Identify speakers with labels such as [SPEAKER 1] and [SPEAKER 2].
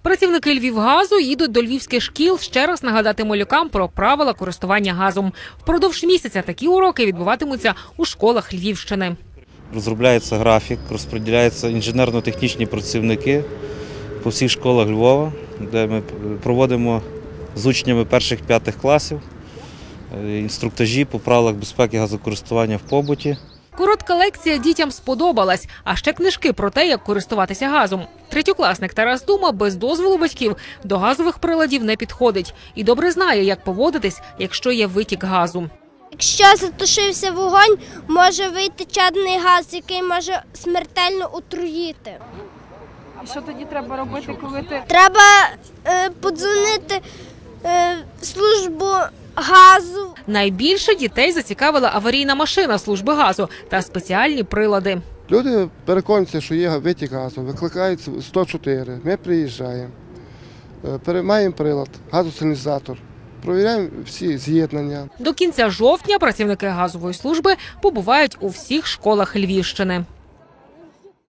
[SPEAKER 1] Працівники «Львівгазу» їдуть до львівських шкіл ще раз нагадати малюкам про правила користування газом. Впродовж місяця такі уроки відбуватимуться у школах Львівщини.
[SPEAKER 2] Розробляється графік, розподіляються інженерно-технічні працівники по всіх школах Львова, де ми проводимо з учнями перших-п'ятих класів інструктажі по правилах безпеки газокористування в побуті.
[SPEAKER 1] Коротка лекція дітям сподобалась, а ще книжки про те, як користуватися газом. Третьокласник Тарас Дума без дозволу батьків до газових приладів не підходить і добре знає, як поводитись, якщо є витік газу.
[SPEAKER 3] Якщо затушився вогонь, може вийти чадний газ, який може смертельно отруїти.
[SPEAKER 4] І що тоді треба робити, коли ти…
[SPEAKER 3] Треба подзвонити в службу газу.
[SPEAKER 1] Найбільше дітей зацікавила аварійна машина служби газу та спеціальні прилади.
[SPEAKER 5] Люди переконуються, що є витік газу, викликають 104, ми приїжджаємо, маємо прилад, газосигналізатор, провіряємо всі з'єднання.
[SPEAKER 1] До кінця жовтня працівники газової служби побувають у всіх школах Львівщини.